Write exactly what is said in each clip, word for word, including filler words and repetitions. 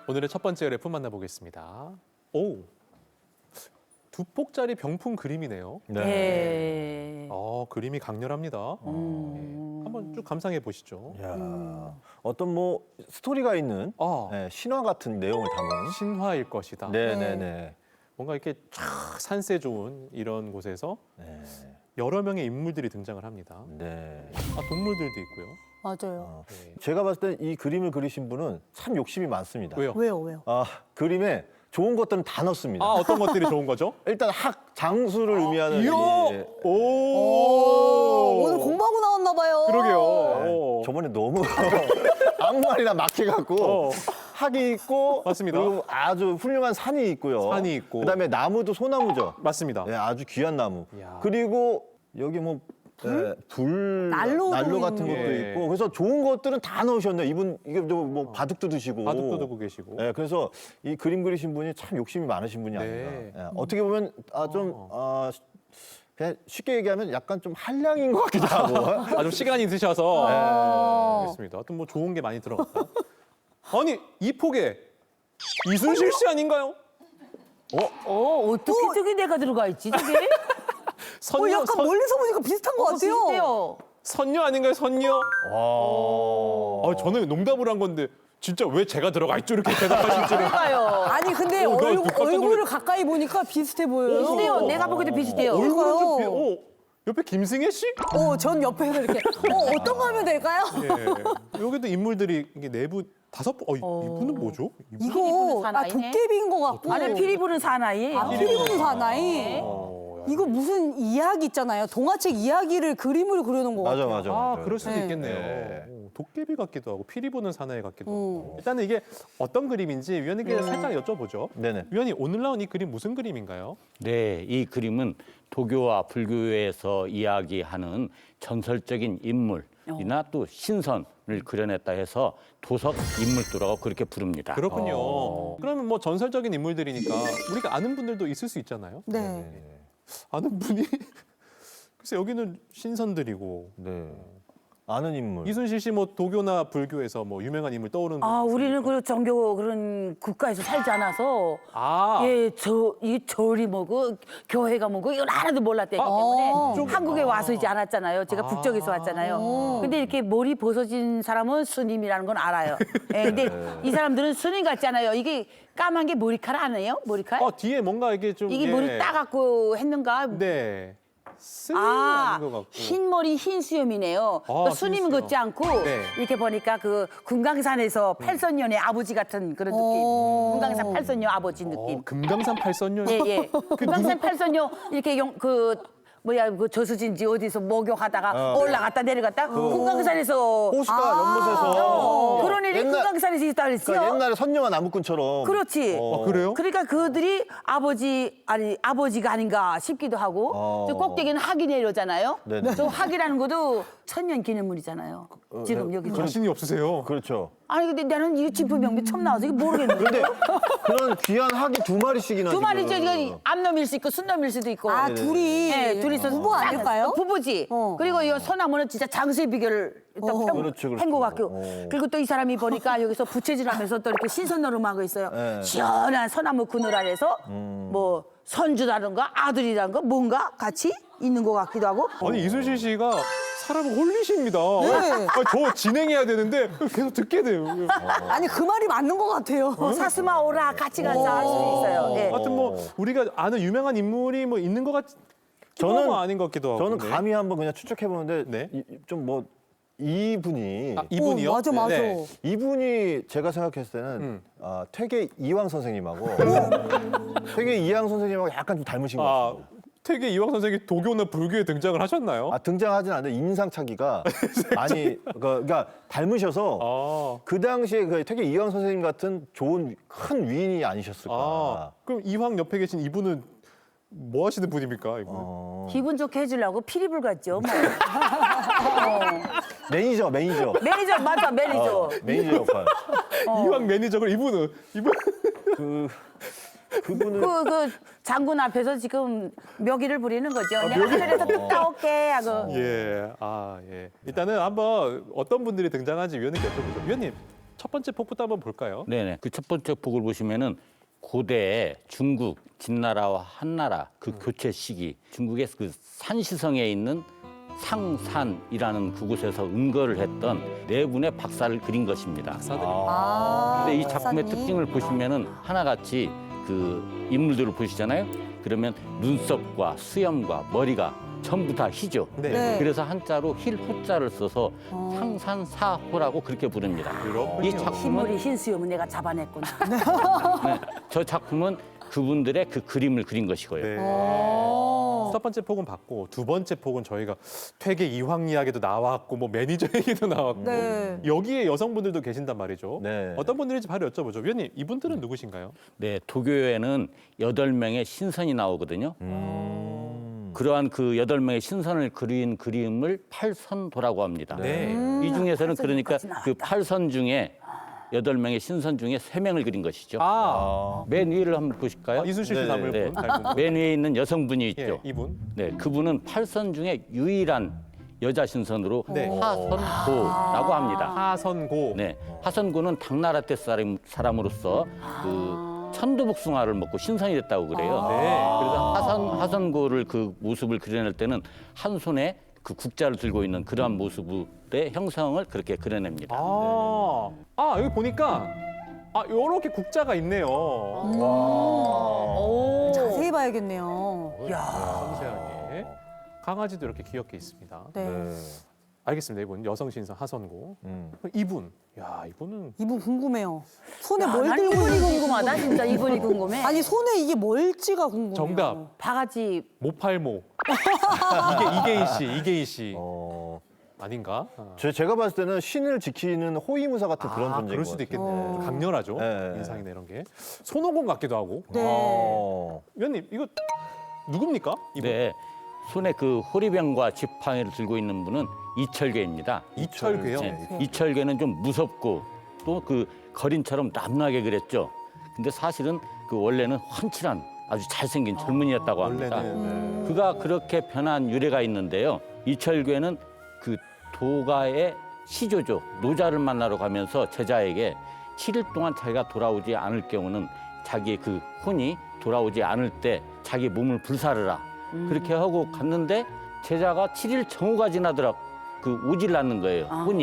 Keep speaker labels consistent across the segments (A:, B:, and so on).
A: 오늘의 첫 번째 그래프 만나보겠습니다. 오, 두 폭짜리 병풍 그림이네요.
B: 네.
A: 어, 그림이 강렬합니다. 네, 한번 쭉 감상해 보시죠.
C: 야, 어떤 뭐 스토리가 있는
A: 아,
C: 네, 신화 같은 내용을 담은.
A: 신화일 것이다.
C: 네네네.
A: 뭔가 이렇게 쫙 산세 좋은 이런 곳에서
C: 네.
A: 여러 명의 인물들이 등장을 합니다.
C: 네.
A: 아, 동물들도 있고요.
B: 맞아요.
C: 어,
A: 네.
C: 제가 봤을 때 이 그림을 그리신 분은 참 욕심이 많습니다.
A: 왜요?
B: 왜요, 왜요?
C: 아, 그림에 좋은 것들은 다 넣습니다.
A: 아, 어떤 것들이 좋은 거죠?
C: 일단 학 장수를 의미하는
A: 이야!
C: 이-
A: 오,
B: 오, 오늘 공부하고 나왔나 봐요.
A: 그러게요.
C: 네,
A: 오.
C: 저번에 너무 아무 말이나 막 해갖고
A: 어.
C: 학이 있고
A: 맞습니다.
C: 그리고 아주 훌륭한 산이 있고요.
A: 산이 있고.
C: 그다음에 나무도 소나무죠.
A: 맞습니다.
C: 네, 아주 귀한 나무.
A: 이야.
C: 그리고 여기 뭐 불, 불
B: 난로도
C: 난로 같은
B: 있는
C: 것도
A: 예.
C: 있고 그래서 좋은 것들은 다 넣으셨네요. 이분 이게 뭐 바둑도 드시고.
A: 바둑도 두고 계시고.
C: 네, 그래서 이 그림 그리신 분이 참 욕심이 많으신 분이
A: 네.
C: 아닌가. 예, 어떻게 보면 아, 좀 아, 그냥 쉽게 얘기하면 약간 좀 한량인 것 같기도 하고.
A: 아, 좀 시간이 드셔서.
B: 아.
A: 알겠습니다. 하여튼 뭐 좋은 게 많이 들어갔다. 아니, 이 폭에 이순실 씨 아닌가요?
D: 어, 어떻게 저기 내가 들어가 있지, 저게?
A: 선녀,
B: 어, 약간
A: 선,
B: 멀리서 보니까 비슷한 것 같아요.
D: 비슷해요.
A: 선녀 아닌가요, 선녀?
C: 와.
A: 아, 저는 농담을 한 건데 진짜 왜 제가 들어가 있죠? 이렇게 대답하실 줄은.
D: 그러니까요.
B: 아니 근데
A: 어, 나
B: 얼굴,
A: 깜짝 놀랐-
B: 얼굴을 가까이 보니까 비슷해 보여요.
D: 비슷해요. 내가 보기도 비슷해요.
A: 얼굴은 좀 비...
B: 그러니까요.
A: 어, 옆에 김승혜 씨?
B: 어, 전 옆에서 이렇게 어, 어떤 거 하면 될까요?
A: 예. 여기도 인물들이 이게 내부 다섯 분. 어, 이- 이분은 뭐죠? 이분?
B: 이거
D: 피리부는
B: 아,
D: 사나이네.
B: 도깨비인 것 같고.
D: 아니, 피리 부는 사나이예요.
B: 아, 피리 부는 사나이.
A: 어, 야.
B: 이거 무슨 이야기 있잖아요. 동화책 이야기를 그림으로 그려놓은 것
C: 맞아
B: 같아요.
C: 맞아.
A: 아,
C: 맞아.
A: 그럴 수도
B: 네.
A: 있겠네요.
C: 네.
A: 오, 도깨비 같기도 하고 피리 부는 사나이 같기도
B: 음.
A: 하고. 일단은 이게 어떤 그림인지 위원님께 살짝 여쭤보죠.
C: 네네.
A: 위원님, 오늘 나온 이 그림 무슨 그림인가요?
E: 네, 이 그림은 도교와 불교에서 이야기하는 전설적인 인물이나 또 신선을 그려냈다 해서 도석 인물도라고 그렇게 부릅니다.
A: 그렇군요.
C: 어.
A: 그러면 뭐 전설적인 인물들이니까 우리가 아는 분들도 있을 수 있잖아요.
B: 네.
A: 아는 분이 글쎄 여기는 신선들이고
C: 네. 아는 인물.
A: 이순실 씨 뭐 도교나 불교에서 뭐 유명한 인물 떠오르는
D: 아,
A: 분
D: 우리는
A: 있습니까?
D: 그 종교 그런 국가에서 살지 않아서
A: 아,
D: 예, 저, 이 절이 뭐고 교회가 뭐고 이걸 하나도 몰랐기 때문에
B: 어.
D: 한국에 와서 이제 알았잖아요. 제가 북쪽에서 왔잖아요. 근데 이렇게 머리 벗어진 사람은 스님이라는 건 알아요. 예, 근데 이 사람들은 스님 같잖아요. 이게 까만 게 머리카락 아니에요? 머리카락?
A: 어, 뒤에 뭔가 이게 좀
D: 이게
A: 예.
D: 머리 따갖고 했는가?
A: 네. 스님이
D: 아,
A: 아닌 것 같고.
D: 흰 머리 흰 수염이네요.
A: 아,
D: 그 스님은
A: 흰 수염.
D: 걷지 않고
A: 네.
D: 이렇게 보니까 그 금강산에서 팔선녀의 아버지 같은 그런 느낌.
B: 어.
D: 금강산 팔선녀 아버지 느낌.
A: 어, 금강산 팔선녀.
D: 예, 예. 금강산 팔선녀 이렇게 용, 그 뭐야 그 저수지인지 어디서 목욕하다가
C: 어.
D: 올라갔다 내려갔다 금강산에서
C: 호수가 연못에서
D: 어, 그런 일이
C: 옛날-
D: 금강산에서 있다 그랬죠.
C: 그러니까 옛날에 선녀와 나무꾼처럼.
D: 그렇지.
C: 어.
A: 아, 그래요?
D: 그러니까 그들이 아버지 아니 아버지가 아닌가 싶기도 하고
C: 어.
D: 저 꼭대기는 학이 내려잖아요.
C: 네네.
D: 저 학이라는 것도 천년 기념물이잖아요. 지금 여기 좀.
A: 자신이 없으세요.
C: 그렇죠.
D: 아니 근데 나는 이 진품 명비 처음 나와서 이게 모르겠는데.
C: 근데 그런 귀한 학이 두 마리씩이나.
D: 두 마리죠.
C: 지금.
D: 이거 암놈일 수 있고 순놈일 수도 있고.
B: 아, 둘이
D: 네, 둘이서
B: 부부 아닐까요?
D: 부부지.
B: 어.
D: 그리고 이 소나무는 진짜 장수의 비결을 또
B: 어.
D: 편,
C: 그렇죠, 그렇죠.
D: 한 것 같고.
C: 어.
D: 그리고 또 이 사람이 보니까 여기서 부채질하면서 또 이렇게 신선노름하고 있어요.
C: 네.
D: 시원한 소나무 그늘 아래서 뭐 선주라든가 아들이라든가 뭔가 같이 있는 것 같기도 하고.
A: 아니 이순실 씨가 사람을 홀리십니다.
B: 네.
A: 아, 저 진행해야 되는데 계속 듣게 돼요.
B: 아니 그 말이 맞는 것 같아요.
D: 사스마 오라 같이 가서 할 수 있어요. 예.
A: 하여튼 뭐 우리가 아는 유명한 인물이 뭐 있는 것 같.
C: 저는-
A: 저는 아닌 것 같기도 하고.
C: 저는
A: 네.
C: 감히 한번 그냥 추측해 보는데
A: 네.
C: 좀 뭐 이분이
A: 아, 이분이요?
B: 어, 맞아, 맞아.
A: 네.
C: 이분이 제가 생각했을 때는
A: 음.
C: 아, 퇴계 이황 선생님하고 퇴계 이황 선생님하고 약간 좀 닮으신 것
A: 아,
C: 같아요.
A: 퇴계 이황 선생이 도교나 불교에 등장을 하셨나요?
C: 아, 등장하진 않는데 인상착의가 많이 그- 그러니까 닮으셔서
A: 아,
C: 그 당시에 그 퇴계 이황 선생님 같은 좋은 큰 위인이 아니셨을까.
A: 아, 그럼 이황 옆에 계신 이분은 뭐 하시는 분입니까? 이분?
C: 어,
D: 기분 좋게 해주려고 피리불 같죠. 뭐. 어.
C: 매니저 매니저
D: 매니저 맞아 매니저.
C: 어, 매니저 역할.
A: 이황 매니저를 이분은 이분
C: 그 그분은
D: 그, 그 장군 앞에서 지금 묘기를 부리는 거죠. 내가 하늘에서 뚝 따올게 하고.
A: 예, 아 예. 일단은 한번 어떤 분들이 등장하는지 위원님께 여쭤보죠. 위원님 첫 번째 폭부터 한번 볼까요?
E: 네네. 그 첫 번째 폭을 보시면은 고대 중국 진나라와 한나라 그 교체 시기 중국의 그 산시성에 있는 상산이라는 그곳에서 은거를 했던 네 분의 박사를 그린 것입니다.
A: 박사들이.
B: 아,
E: 근데 이 작품의
B: 박사님.
E: 특징을 보시면은 하나같이 그 인물들을 보시잖아요. 그러면 눈썹과 수염과 머리가 전부 다 희죠.
A: 네.
B: 네.
E: 그래서 한자로 힐호자를 써서 상산사호라고 그렇게 부릅니다.
A: 그렇군요.
E: 이 작품은
D: 흰머리 흰수염은 내가 잡아냈구나.
E: 네, 저 작품은 그분들의 그 그림을 그린 것이고요.
A: 네.
B: 어.
A: 첫 번째 폭은 봤고 두 번째 폭은 저희가 퇴계 이황 이야기도 나왔고 뭐 매니저 얘기도 나왔고
B: 네.
A: 여기에 여성분들도 계신단 말이죠.
C: 네.
A: 어떤 분들인지 바로 여쭤보죠. 위원님 이분들은 누구신가요?
E: 네, 도교에는 여덟 명의 신선이 나오거든요. 그러한 그 여덟 명의 신선을 그린 그림을 팔선도라고 합니다.
A: 네.
E: 이 중에서는 그러니까
D: 팔선도까지 나왔다.
E: 그 팔선 중에 여덟 명의 신선 중에 세 명을 그린 것이죠.
A: 아,
E: 맨 위를 한번 보실까요?
A: 아, 이순실 씨
C: 네,
A: 닮은
E: 네.
A: 분. 닮은 분.
E: 맨 위에 있는 여성분이
A: 예,
E: 있죠.
A: 이분.
E: 네, 그분은 팔선 중에 유일한 여자 신선으로
A: 네.
E: 하선고라고 합니다.
A: 하선고.
E: 네, 하선고는 당나라 때 사람, 사람으로서 그 천도복숭아를 먹고 신선이 됐다고 그래요.
A: 네.
E: 그래서 하선 하선고를 그 모습을 그려낼 때는 한 손에 그 국자를 들고 있는 그러한 모습의 형성을 그렇게 그려냅니다.
A: 아, 아 여기 보니까 아 요렇게 국자가 있네요.
B: 오. 자세히 봐야겠네요.
A: 섬세하게. 강아지도 이렇게 귀엽게 있습니다.
B: 네.
C: 네.
A: 알겠습니다. 이분 여성 신선 하선고.
C: 음.
A: 이분, 야 이분은
B: 이분 궁금해요. 손에
D: 야,
B: 뭘
D: 난
B: 들고
D: 이분이
B: 있는지
D: 궁금하다. 진짜 이분이 궁금해.
B: 아니 손에 이게 뭘지가 궁금해요.
A: 정답.
D: 바가지
A: 모팔모. 이게 이계인 씨, 이계인 씨
C: 어,
A: 아닌가? 아.
C: 제, 제가 봤을 때는 신을 지키는 호위무사 같은 그런
A: 아,
C: 존재인
A: 그럴
C: 것
A: 수도
C: 같아요.
A: 있겠네. 좀 강렬하죠.
C: 네.
A: 인상이나 이런 게. 손오공 같기도 하고.
B: 네.
C: 어.
A: 위원님 이거 누굽니까? 이분?
E: 네, 손에 그 호리병과 지팡이를 들고 있는 분은 이철계입니다.
A: 이철괴요.
E: 네, 이철계는 좀 무섭고 또 그 거린처럼 남나게 그랬죠. 근데 사실은 그 원래는 훤칠한 아주 잘생긴 젊은이였다고 합니다.
A: 원래는 네.
E: 그가 그렇게 변한 유래가 있는데요. 이철괴는 그 도가의 시조죠. 노자를 만나러 가면서 제자에게 칠 일 동안 자기가 돌아오지 않을 경우는 자기의 그 혼이 돌아오지 않을 때 자기 몸을 불사르라. 그렇게 하고 갔는데 제자가 칠 일 정오가 지나더라 그 오질 않는 거예요. 혼이.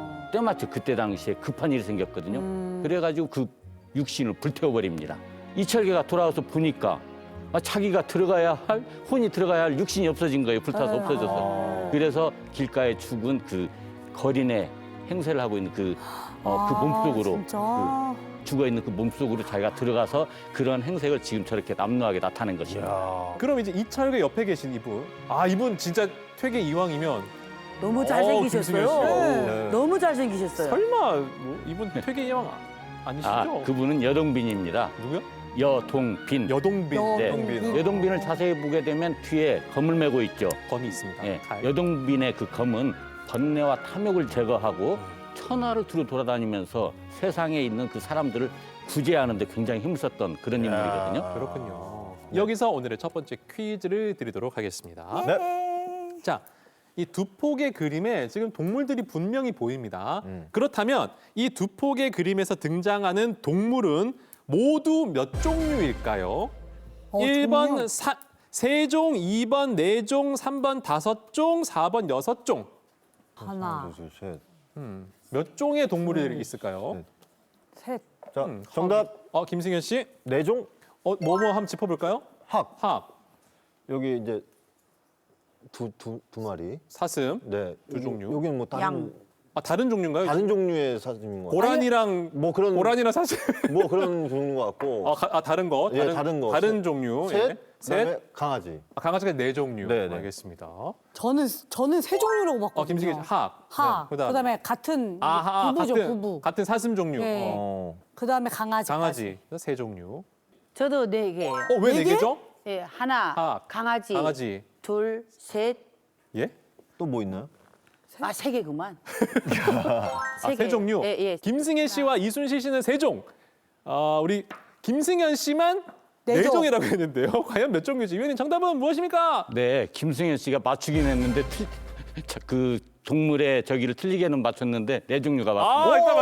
E: 때마침 그때 당시에 급한 일이 생겼거든요. 그래가지고 그 육신을 불태워버립니다. 이철계가 돌아와서 보니까 아, 자기가 들어가야 할 혼이 들어가야 할 육신이 없어진 거예요. 불타서 없어져서. 그래서 길가에 죽은 그 거린의 행세를 하고 있는 그, 어, 그 몸속으로
B: 진짜.
E: 그 죽어 있는 그 몸속으로 자기가 들어가서 그런 행색을 지금 저렇게 남루하게 나타낸 것입니다.
A: 그럼 이제 이철괴 옆에 계신 이분. 아 이분 진짜 퇴계 이황이면
D: 너무
A: 어,
D: 잘생기셨어요.
A: 김승현 씨.
C: 네.
D: 너무 잘생기셨어요.
A: 설마 뭐 이분 퇴계 이황 아니시죠?
E: 아, 그분은 여동빈입니다.
A: 누구요?
E: 여동빈.
A: 여동빈.
B: 여-
E: 네.
B: 여동빈.
E: 여동빈을 자세히 보게 되면 뒤에 검을 메고 있죠.
A: 검이 있습니다.
E: 예,
A: 칼.
E: 여동빈의 그 검은 번뇌와 탐욕을 제거하고 천하를 두루 돌아다니면서 세상에 있는 그 사람들을 구제하는 데 굉장히 힘썼던 그런 인물이거든요.
A: 그렇군요. 여기서 오늘의 첫 번째 퀴즈를 드리도록 하겠습니다.
C: 네.
A: 자, 이 두 폭의 그림에 지금 동물들이 분명히 보입니다.
C: 음.
A: 그렇다면 이 두 폭의 그림에서 등장하는 동물은 모두 몇 종류일까요?
B: 어,
A: 일 번
B: 종류?
A: 사, 세 종, 이 번 네 종, 삼 번 다섯 종, 사 번 여섯 종.
B: 하나,
C: 둘, 셋.
A: 음, 몇 종의 동물이 있을까요?
C: 네.
B: 셋.
C: 자,
A: 음,
C: 정답
A: 어, 김승현 씨,
C: 네종
A: 어, 뭐뭐 한번 짚어볼까요?
C: 학
A: 학
C: 여기 이제 두 두 두 마리.
A: 사슴,
C: 네.
A: 두
C: 여기-
A: 종류.
C: 여기는 뭐 다른
D: 양.
A: 아, 다른 종류인가요?
C: 다른 종류의 사슴인 것 같아요.
A: 고라니랑
C: 뭐 그런
A: 고라니랑 사슴.
C: 뭐 그런 종류인 것 같고.
A: 아, 가- 아 다른 거,
C: 예, 다른 거.
A: 다른
C: 셋.
A: 종류.
C: 셋.
A: 예.
C: 그다음에
A: 셋.
C: 강아지.
A: 아, 강아지가 네 종류.
C: 네, 네.
A: 알겠습니다.
B: 저는 저는 세 종류라고 봤거든요.
A: 어, 김승희 씨, 학.
B: 하.
A: 네, 그다음.
B: 그다음에 같은
A: 아, 하,
B: 부부죠,
A: 같은,
B: 부부.
A: 같은 사슴 종류.
B: 네.
A: 어,
C: 어.
B: 그다음에 강아지.
A: 강아지 세 종류.
D: 저도 네 개예요.
A: 어, 왜 네
B: 네 개?
A: 개죠?
D: 예, 하나,
A: 학,
D: 강아지,
A: 강아지.
D: 둘, 셋,
A: 예?
C: 또 뭐 있나요?
D: 아, 세 개구만.
A: 아, 세
D: 개.
A: 종류.
D: 예, 예.
A: 김승혜 씨와 이순실 씨는 세 종. 아, 우리 김승현 씨만
B: 네
A: 네
B: 종.
A: 종이라고 했는데요. 과연 몇 종류지? 위원님 정답은 무엇입니까?
E: 네, 김승현 씨가 맞추긴 했는데 틀, 자, 그 동물의 저기를 틀리게는 맞췄는데 네 종류가
A: 아,
E: 맞습니다.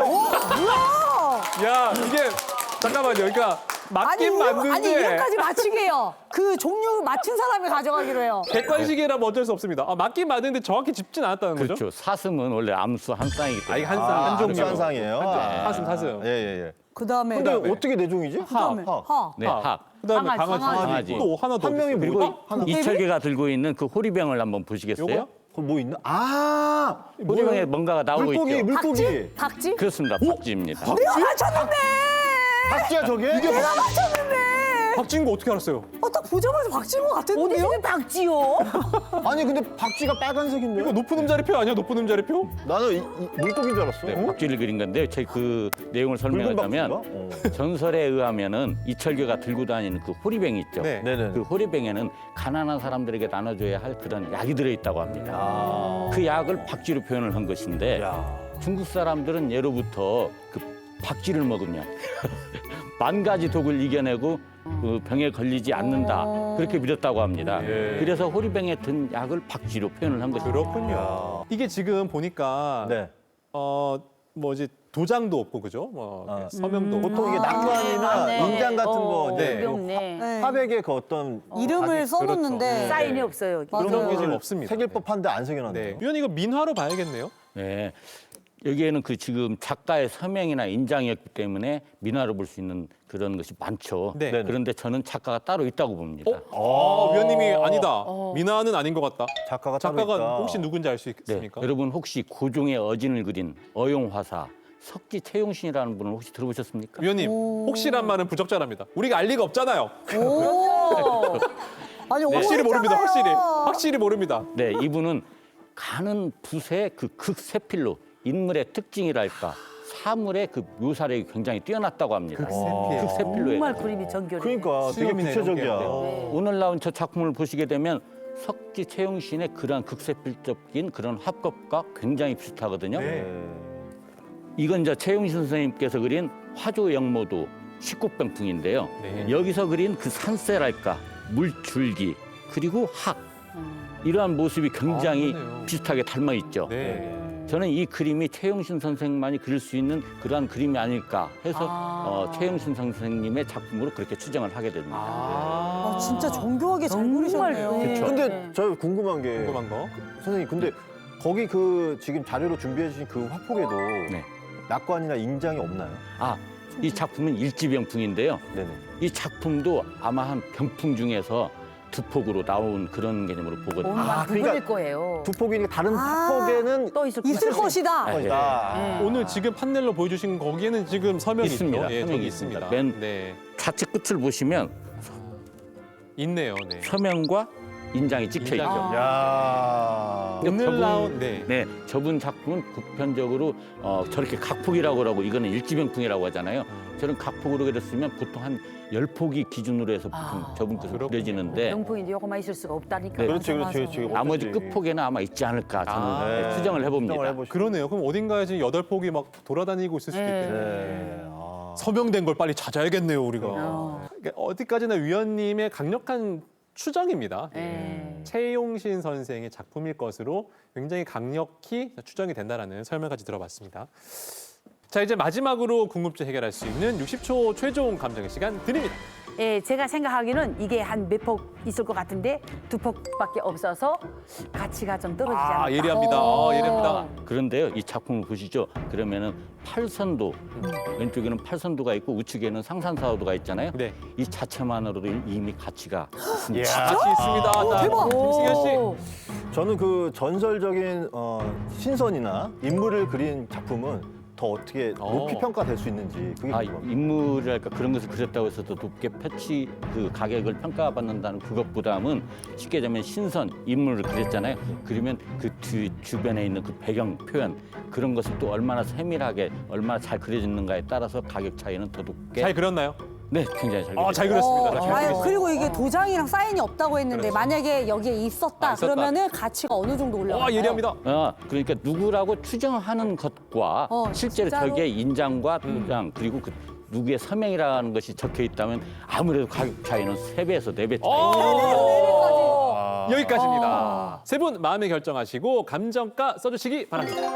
A: 잠깐만. 야, 이게 잠깐만요. 그러니까
B: 아니,
A: 맞긴
B: 이름-
A: 맞는데
B: 아니 이름까지 맞추게요. 그 종류 맞춘 사람이 가져가기로 해요.
A: 객관식이라면 어쩔 수 없습니다. 아, 맞긴 맞는데 정확히 짚진 않았다는 거죠?
E: 그렇죠. 사슴은 원래 암수 한 쌍이기
A: 아, 이게
E: 때문에.
A: 한 쌍, 한 종류.
C: 한 쌍이에요. 아.
A: 사슴, 사슴.
C: 예, 예, 예.
B: 그 다음에
C: 근데
A: 그다음에.
C: 어떻게 네 종이지?
B: 그다음에
C: 하.
B: 하.
E: 네, 학.
A: 그다음에
D: 강아지,
A: 강아지,
E: 강아지.
A: 또 하나 더
C: 한 명이
A: 있어요.
C: 물고
A: 그리고
C: 하나.
E: 이철계가 들고 있는 그 호리병을 한번 보시겠어요?
A: 요거요?
C: 그거 뭐 있나? 아,
E: 호리병에 뭔가가 나오고
C: 물고기,
E: 있죠.
C: 물고기.
B: 박쥐? 박쥐?
E: 그렇습니다. 박쥐입니다.
B: 내가 맞췄는데!
C: 박쥐야 저게?
B: 내가 맞췄는데!
A: 박쥐인 거 어떻게 알았어요?
B: 어, 딱 보자마자 박쥐인 것
D: 어디
B: 같았는데요?
D: 서 박쥐요?
C: 아니 근데 박쥐가 빨간색인데?
A: 이거 높은 음자리표 아니야? 높은 음자리표?
C: 나는 이, 이 물고기인 줄 알았어.
E: 네,
C: 어?
E: 박쥐를 그린 건데 제 그 내용을
C: 붉은
E: 설명하자면
C: 박쥐인가? 어.
E: 전설에 의하면은 이철계가 들고 다니는 그 호리병 있죠.
A: 네.
C: 네네.
E: 그 호리병에는 가난한 사람들에게 나눠줘야 할 그런 약이 들어있다고 합니다.
C: 아.
E: 그 약을 박쥐로 표현을 한 것인데
C: 야.
E: 중국 사람들은 예로부터 그 박쥐를 먹으면 만 가지 독을 이겨내고 그 병에 걸리지 않는다 그렇게 믿었다고 합니다.
A: 예.
E: 그래서 호리병에 든 약을 박쥐로 표현을 한 것입니다.
A: 그렇군요. 이게 지금 보니까
C: 네.
A: 어 뭐지 도장도 없고 그죠? 뭐
C: 아.
A: 서명도 없고.
C: 보통 이게 낙관이나
D: 네.
C: 인장 같은 거
A: 네.
C: 이제
D: 없네.
B: 네.
C: 화백에 그 어떤
B: 이름을
C: 아직
B: 써놓는데
A: 그렇죠.
D: 사인이 없어요.
B: 맞아요.
A: 그런 게 지금
C: 거를
A: 없습니다.
C: 새길
A: 네.
C: 법한데 안
A: 네.
C: 새겨놨네요.
A: 위원 이거 민화로 봐야겠네요.
E: 네. 여기에는 그 지금 작가의 서명이나 인장이었기 때문에 민화로 볼 수 있는 그런 것이 많죠.
A: 네.
C: 네네.
E: 그런데 저는 작가가 따로 있다고 봅니다.
A: 아, 위원님이 아니다. 민화는 아닌 것 같다.
C: 작가가 따로
A: 작가가
C: 있다.
A: 혹시 누군지 알 수
E: 네.
A: 있습니까?
E: 여러분 혹시 고종의 어진을 그린 어용화사 석지 채용신이라는 분을 혹시 들어보셨습니까?
A: 위원님 혹시란 말은 부적절합니다. 우리가 알 리가 없잖아요.
B: 오. 아니,
A: 확실히 모릅니다.
B: 오해했잖아요.
A: 확실히 확실히 모릅니다.
E: 네, 이분은 가는 붓의 그 극세필로 인물의 특징이랄까 사물의 그 묘사력이 굉장히 뛰어났다고 합니다.
A: 극세필.
E: 극세필로
D: 정말
E: 해서.
D: 그림이 정교해.
C: 그러니까 되게
A: 수염이네,
C: 구체적이야.
A: 이런 게.
E: 오늘 나온 저 작품을 보시게 되면 석지 채용신의 그러한 극세필적인 그런 화법과 굉장히 비슷하거든요.
A: 네.
E: 이건 이제 채용신 선생님께서 그린 화조 영모도 십국병풍인데요.
A: 네.
E: 여기서 그린 그 산세랄까 물줄기 그리고 학 이러한 모습이 굉장히
A: 아, 그러네요.
E: 비슷하게 닮아 있죠.
A: 네.
E: 저는 이 그림이 최용신 선생만이 그릴 수 있는 그러한 그림이 아닐까 해서
D: 아.
E: 어, 최용신 선생님의 작품으로 그렇게 추정을 하게 됩니다.
A: 아,
B: 아, 진짜 정교하게 잘
D: 정말
B: 그리셨네요.
D: 그렇죠.
C: 근데
D: 네.
C: 저 궁금한 게
A: 궁금한 거.
C: 선생님 근데 거기 그 지금 자료로 준비해 주신 그 화폭에도
E: 네.
C: 낙관이나 인장이 없나요?
E: 아, 이 작품은 일지병풍인데요.
C: 네네.
E: 이 작품도 아마 한 병풍 중에서 두 폭으로 나온 그런 개념으로 보거든요.
D: 오늘
C: 아,
D: 아,
C: 그러니까
D: 그러니까 거예요.
C: 두 폭이니까 다른
B: 아.
C: 화폭에는
D: 또 있을
B: 있을
D: 것이다.
B: 것이다.
E: 네.
C: 것이다.
D: 네.
A: 오늘 지금 판넬로 보여주신 거기에는 지금 서명이
E: 있습니다.
A: 있죠? 예,
E: 서명이
A: 저기
E: 있습니다.
A: 있습니다.
E: 맨-
A: 네,
E: 좌측 끝을 보시면
A: 있네요. 네.
E: 서명과 인장이 찍혀 있죠.
A: 인장이요.
C: 야.
A: 오늘
E: 저분-
A: 나온 네.
E: 네, 저분 작품은 보편적으로 어, 저렇게 각폭이라고 그러고 이거는 일지병풍이라고 하잖아요. 저는 각폭으로 그렸으면 보통 한 열 폭이 기준으로 해서 보통
D: 아.
E: 저분 것을
A: 그렇군요.
E: 그려지는데
D: 명품인데 요거만 있을 수가 없다니까.
E: 네.
C: 그렇지 그렇지
B: 맞아,
C: 그렇지.
B: 맞아.
E: 나머지
C: 없겠지.
E: 끝폭에는 아마 있지 않을까 저는
A: 아.
E: 네, 추정을 해봅니다.
C: 추정을 해보시죠.
A: 그러네요. 그럼 어딘가에 지금 여덟 폭이 막 돌아다니고 있을 수도
D: 네.
A: 있겠네요.
C: 네. 아.
A: 서명된 걸 빨리 찾아야겠네요, 우리가.
D: 어.
A: 그러니까 어디까지나 위원님의 강력한 추정입니다.
D: 네.
A: 최용신 선생의 작품일 것으로 굉장히 강력히 추정이 된다라는 설명까지 들어봤습니다. 자, 이제 마지막으로 궁금증 해결할 수 있는 육십 초 최종 감정의 시간 드립니다.
D: 예, 제가 생각하기는 이게 한 몇 폭 있을 것 같은데 두 폭밖에 없어서 가치가 좀 떨어지지 않을까.
A: 아, 예리합니다. 아, 예리합니다.
E: 그런데요, 이 작품을 보시죠. 그러면은 팔선도 왼쪽에는 팔선도가 있고 우측에는 상산사도가 있잖아요.
A: 네.
E: 이 자체만으로도 이미 가치가 있습니다.
C: 이야.
A: 같이 있습니다. 자,
B: 대박.
A: 김승현 씨.
D: 오.
C: 저는 그 전설적인 어, 신선이나 인물을 그린 작품은 더 어떻게 높이
A: 어.
C: 평가될 수 있는지 그게
E: 아,
C: 궁금합니다.
E: 인물이랄까 그런 것을 그렸다고 해서 더 높게 패치 그 가격을 평가받는다는 그것보다는 쉽게 얘기하면 신선 인물을 그렸잖아요. 그러면 그 뒤, 주변에 있는 그 배경 표현 그런 것을 또 얼마나 세밀하게 얼마나 잘 그려지는가에 따라서 가격 차이는 더 높게
A: 잘 그렸나요?
E: 네 굉장히 잘
A: 아,
E: 그렸습니다.
A: 잘 그렸습니다. 자, 잘
B: 아유,
A: 그렸습니다.
B: 그리고 이게 도장이랑 사인이 없다고 했는데
A: 그렇죠.
B: 만약에 여기에 있었다,
A: 아, 있었다.
B: 그러면은 가치가 어느 정도 올라가요?
A: 와, 예리합니다.
E: 아, 그러니까 누구라고 추정하는 것과
B: 어,
E: 실제로
B: 진짜로?
E: 저기에 인장과 도장 그리고 그 누구의 서명이라는 것이 적혀 있다면 아무래도 가격 차이는 세 배에서 네 배 차이.
A: 어. 여기까지입니다. 세 분 마음에 결정하시고 감정가 써주시기 바랍니다.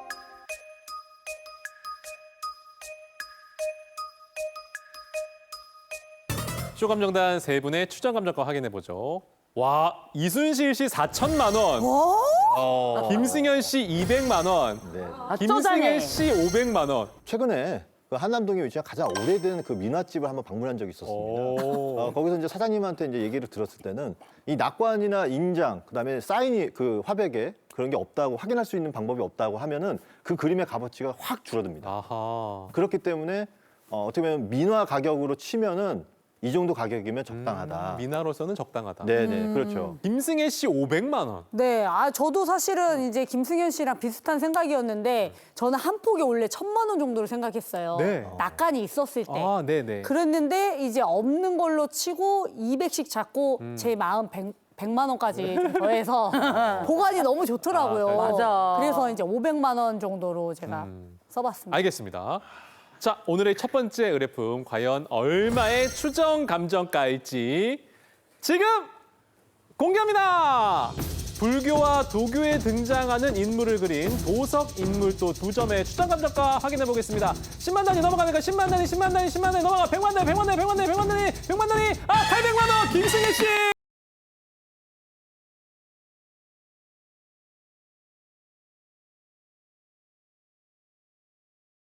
A: 쇼감정단 세 분의 추정 감정가 확인해 보죠. 와, 이순실 씨 사천만 원,
C: 어.
A: 김승현 씨 이백만 원,
C: 네.
D: 아, 또 자네.
A: 김승혜 씨 오백만 원.
C: 최근에 그 한남동에 위치한 가장 오래된 그 민화집을 한번 방문한 적이 있었습니다.
A: 오.
C: 어, 거기서 이제 사장님한테 이제 얘기를 들었을 때는 이 낙관이나 인장, 그다음에 사인이 그 화백에 그런 게 없다고 확인할 수 있는 방법이 없다고 하면은 그 그림의 값어치가 확 줄어듭니다.
A: 아하.
C: 그렇기 때문에 어, 어떻게 보면 민화 가격으로 치면은 이 정도 가격이면 적당하다.
A: 음, 미나로서는 적당하다.
C: 네네 그렇죠.
A: 김승혜 씨 오백만 원.
B: 네, 아 저도 사실은 이제 김승현 씨랑 비슷한 생각이었는데 저는 한 폭에 원래 천만 원 정도를 생각했어요.
A: 네.
B: 낙관이 있었을 때.
A: 아, 네네.
B: 그랬는데 이제 없는 걸로 치고 이백씩 잡고
A: 음.
B: 제 마음 백, 백만 원까지 좀 더해서 보관이 너무 좋더라고요.
A: 아,
D: 맞아.
B: 그래서 이제 오백만 원 정도로 제가
A: 음.
B: 써봤습니다.
A: 알겠습니다. 자, 오늘의 첫 번째 의뢰품 과연 얼마의 추정 감정가일지 지금 공개합니다. 불교와 도교에 등장하는 인물을 그린 도석 인물도 두 점의 추정 감정가 확인해 보겠습니다. 십만 단위 넘어가니까 십만 단위, 십만 단위, 십만 단위 넘어가 백만 단위, 백만 단위, 백만 단위, 백만 단위, 백만 단위. 아, 팔백만 원 김승혜 씨.